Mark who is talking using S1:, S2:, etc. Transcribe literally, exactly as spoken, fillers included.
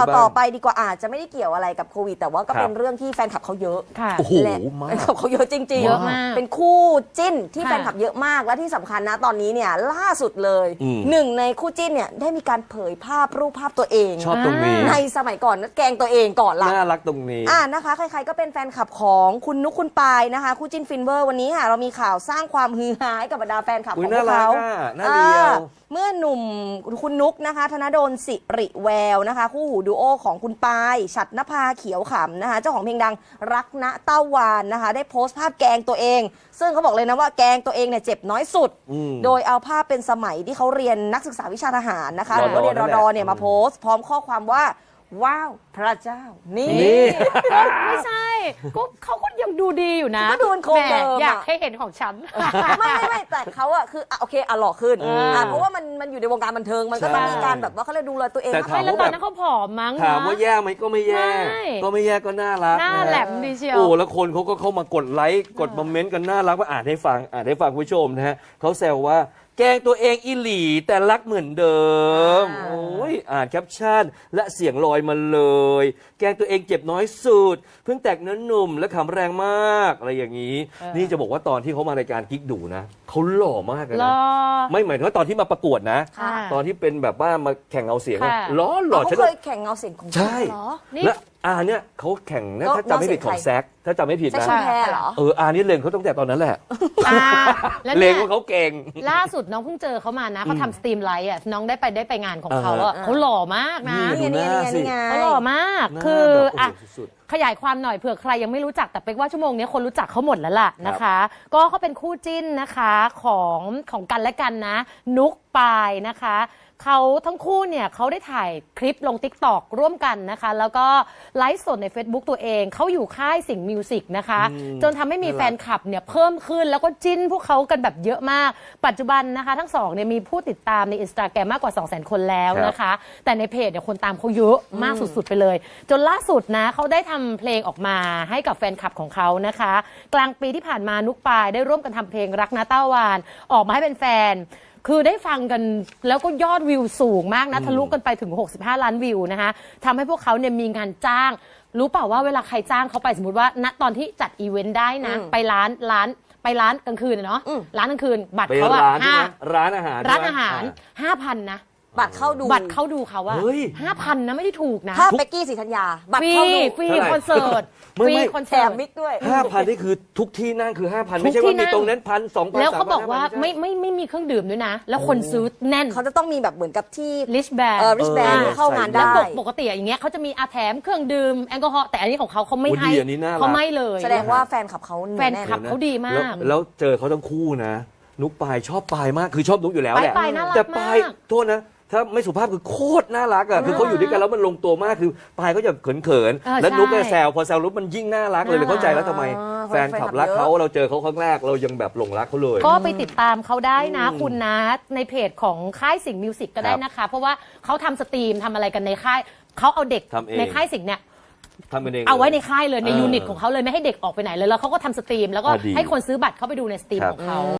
S1: าวต่อไปดีกว่าอาจจะไม่ได้เกี่ยวอะไรกับโควิดแต่ว่าก็เป็นเรื่องที่แฟนคลับเขาเยอะ
S2: ค่ะ
S3: โอ้โห
S1: และ
S3: มาก
S1: แฟนคลับเขาเยอะจริงๆ
S2: เยอะมาก
S1: เป็นคู่จิ้นที่
S2: ค่ะ
S1: แฟนคลับเยอะมากและที่สำคัญนะตอนนี้เนี่ยล่าสุดเลย
S3: อืม
S1: หนึ่งในคู่จิ้นเนี่ยได้มีการเผยภาพรูปภาพตัวเอง
S3: ชอบตรงนี้
S1: ในสมัยก่อนนะแกล้งตัวเองก่อนละ
S3: น่ารักตรงนี้
S1: อ่านะคะใครๆก็เป็นแฟนคลับของคุณนุกคุณปายนะคะคู่จิ้นฟินเวอร์วันนี้ค่ะเรามีข่าวสร้างความฮือฮาให้กับบรรดาแฟนคลับ
S3: อุ๊
S1: ข
S3: ย
S1: องพวกเขา
S3: น่ารักอะน่าเลียว
S1: อ่าเมื่อหนุ่มคุณนุกนะคะธนดลสิริแววนะคะคู่หูดูโอของคุณปายฉัตรนภาเขียวขำนะคะเจ้าของเพลงดังรักณเต้าวานนะคะได้โพสต์ภาพแกงตัวเอง ซึ่งเขาบอกเลยนะว่าแกงตัวเองเนี่ยเจ็บน้อยสุด
S3: อืม
S1: โดยเอาภาพเป็นสมัยที่เขาเรียนนักศึกษาวิชาทหารนะคะ
S3: รอ
S1: หรือว่าเรียนรอดอเนี่ย
S3: นั่นแหละ
S1: มาโพสต์พร้อมข้อความว่าว้าวพระเจ้านี่
S3: นี่
S2: ไม่ใช่ก็เขาก็ยังดูดีอยู่นะ
S1: ก็ดูเป็นโครง
S2: แห
S1: เดิมอะ
S2: อยากให้เห็นของฉัน
S1: ไม่ไม่ไม่แต่เขาอะคืออ่ะโอเคอ่ะหล่อขึ้น
S3: เอออ่
S1: อ่ะเพราะว่ามันมันอยู่ในวงการบันเทิงมันก็ต้อง
S3: ใช่
S1: มีการแบบว่าเขาเรียกดูแลตัวเอง
S3: แต่
S1: มาก
S3: ถาม
S2: ไม่แล้ว
S3: ว่า
S2: ตอนนั้นเขาผอมมั้ง
S3: ถาม
S2: นะ
S3: ว่าแย่ไหมก็ไม่แย่
S2: ไม่
S3: ก็ไม่แย่ก็น่ารัก
S2: หน้า
S3: ะ
S2: แหลมดีเชียว
S3: โอ้แล้วคนเขาก็เข้ามากดไลค์กดมาเมนต์กันน่ารักว่าอ่านให้ฟังอ่านให้ฟังคุณผู้ชมนะฮะเขาแซวว่าแกล้งตัวเองอีหลีแต่รักเหมือนเดิม
S1: อ่า
S3: โอ้ยอ่านแคปชั่นและเสียงลอยมาเลย แกล้งตัวเองเจ็บน้อยสุด เพิ่งแตกเนื้อหนุ่มและขำแรงมากอะไรอย่างนี้
S2: เออ
S3: นี่จะบอกว่าตอนที่เขามารายการกิ๊กดูนะเขาหล่อมากเลย
S2: ร
S3: นะ
S2: อ
S3: ไม่หมายถึงว่าตอนที่มาประกวดนะ
S1: ค่ะ
S3: ตอนที่เป็นแบบว่ามาแข่งเอาเสียงอะ
S2: ค่ะ
S3: หล่อหล่อ
S1: เขา
S3: ฉัน
S1: เค
S3: ก็
S1: ยแข่งเงาเสียงของ
S3: ใช่
S1: เหรอ
S2: นี่
S3: และอาเนี่ยเขาแข่งนะ
S1: ก็
S3: ถ้าจำไม่ผิดของ
S1: น้องเสียงใคร
S3: แซกถ้าจำไม่ผิด
S1: แซค
S3: นะ
S1: ชุมแพรเหรอ
S3: เอออานี่เลงเขาตั้งแต่ตอนนั้นแหละ
S2: อ่าแล้ว
S3: เล
S2: เนี่
S3: ง
S2: ย
S3: ว่าเขาเก่ง
S2: ล่าสุดน้องเพิ่งเจอเขามานะเขาทำสตรีมไลท์อ่ะน้องได้ไปได้ไปงานของเขาอ่ะ
S1: อ่า
S2: เขาหล่อมากนะ
S3: นี่
S1: นี่ไงนี่ไงนี่ไง
S2: เขาหล่อมาก
S3: หน้า
S2: คือ
S3: แบบโอ้โห
S2: อ่ะ
S3: สุด
S2: ขยายความหน่อยเผื่อใครยังไม่รู้จักแต่เป็กว่าชั่วโมงนี้คนรู้จักเขาหมดแล้วล่ะนะคะ ก็เขาเป็นคู่จิ้นนะคะของของกันและกันนะ นุกปายนะคะเขาทั้งคู่เนี่ยเขาได้ถ่ายคลิปลง ติ๊กต็อก ร่วมกันนะคะ แล้วก็ไลฟ์สดใน เฟซบุ๊ก ตัวเองเขาอยู่ค่ายสิงห์มิวสิกนะคะ
S3: อืม
S2: จนทำให้มี
S3: น่ารัก
S2: แฟนคลับเนี่ยเพิ่มขึ้นแล้วก็จิ้นพวกเขากันแบบเยอะมาก ปัจจุบันนะคะ ทั้งสองเนี่ยมีผู้ติดตามใน อินสตาแกรม มากกว่า สองแสน คนแล้วนะคะ แต่ในเพจเนี่ยคนตามเขาเยอะมากสุดๆไปเลย จนล่าสุดนะเขาได้ทำเพลงออกมาให้กับแฟนคลับของเขานะคะ กลางปีที่ผ่านมานุกปายได้ร่วมกันทำเพลงรักนะเต้าวานออกมาให้เป็นแฟน คือได้ฟังกันแล้วก็ยอดวิวสูงมากนะทะลุกันไปถึงหกสิบห้าล้านวิวนะคะทำให้พวกเขาเนี่ยมีงานจ้าง รู้เปล่าว่าเวลาใครจ้างเขาไปสมมติว่าณตอนที่จัดอีเวนต์ได้นะ
S1: อืม
S2: ไปร้านร้านไปร้านกลางคืนอะเนาะ
S1: อืม
S2: ร้านกลางคืนบัตร
S3: ไป
S2: เขาอะ
S3: ร้านใช่
S2: ห้า
S3: ไหมร้านอาหาร
S2: ร้าน
S3: ใช่
S2: อา
S3: ไหม
S2: หารห้าพันนะ
S1: บัตรเข้าดู
S2: บัตรเข้าดูเขาอะ
S3: เฮ้ย
S2: ห้าพันนะไม่ได้ถูกนะ
S1: ถ้าเป็กกี้ศรีธัญญาบัต
S2: ฟ
S1: ร
S2: รี
S1: เข้าดู
S2: ฟรี
S3: เท่าไหร่
S2: คอนเสิร์ต
S3: ไม่
S2: ฟรี
S3: ไม่
S2: คอน
S1: แถ
S2: เสิร์
S1: ม
S2: ต
S1: มิกด้วย
S3: ห้าพันนี่คือทุกที่นั่งคือห้าพัน
S2: ทุก
S3: ไม่ใช่
S2: ที่
S3: ว่า
S2: นั่
S3: มี
S2: ง
S3: ตรงนั้นพันสองพัน
S2: แล้วเขาบอกว่า
S3: สพัน
S2: ไม่ไม่ไม่มีเครื่องดื่มด้วยนะ แล้วคนซื้อแน่น
S1: เขาจะต้องมีแบบเหมือนกับที่
S2: ลิชแบน
S1: เออริชแบน
S3: เออ
S1: เข้างาน
S2: แล้ว
S1: ได้
S2: ปกปกติอย่างเงี้ยเขาจะมีอาแถมเครื่องดื่มแอลกอฮอล์แต่อันนี้ของเขาเขาไม่
S3: โอ้
S2: ให้
S3: ดีอันนี้น่ารัก
S2: เขาไม่เลย
S1: แสดงว่าแฟนคลับเขาเหนียว
S2: แฟน
S1: น่น
S2: คลับเขาดีมาก
S3: แล้วแล้วเจอเขาทั้งคู่นะ นุกปายชอบปายมากคือชอบนุกอยู่แล้วแหละ
S2: ปายน่ารัก
S3: แต่ปาย
S2: มาก
S3: โทษนะ ถ้าไม่สุภาพคือโคตรน่ารักอ่ะคือเขาอยู่ด้วยกันแล้วมันลงตัวมากคือปายก็จะเขินเขินๆ
S2: เออ
S3: แล้วนุกก็
S2: ใช่
S3: แซวพอแซวนุกมันยิ่งน่ารักเลยเลยเข้าใจแล้วทำไม
S1: อ๋อ
S3: แฟนคลับรักเขาเราเจอเขาครั้งแรกเรายังแบบหลงรักเขาเลย
S2: ก็ไปติดตามเขาได้นะ
S3: อืม
S2: คุณนะในเพจของค่ายสิงห์มิวสิกก็ได้
S3: ครับ
S2: นะคะ เพราะว่าเขาทำสตรีมทำอะไรกันในค่ายเขาเอาเด็ก
S3: ทำเอง
S2: ในค่ายสิงห์เนี่ย
S3: ทำกันเอง
S2: เอาไว้ในค่ายเลยใน
S3: เออ
S2: ยูนิตของเขาเลยไม่ให้เด็กออกไปไหนเลยแล้วเขาก็ทำสตรีมแล้วก็
S3: อ่ะดี
S2: ให้คนซื้อบัตรเข้าไปดูในสตรีม
S3: ครับ
S2: ของเขา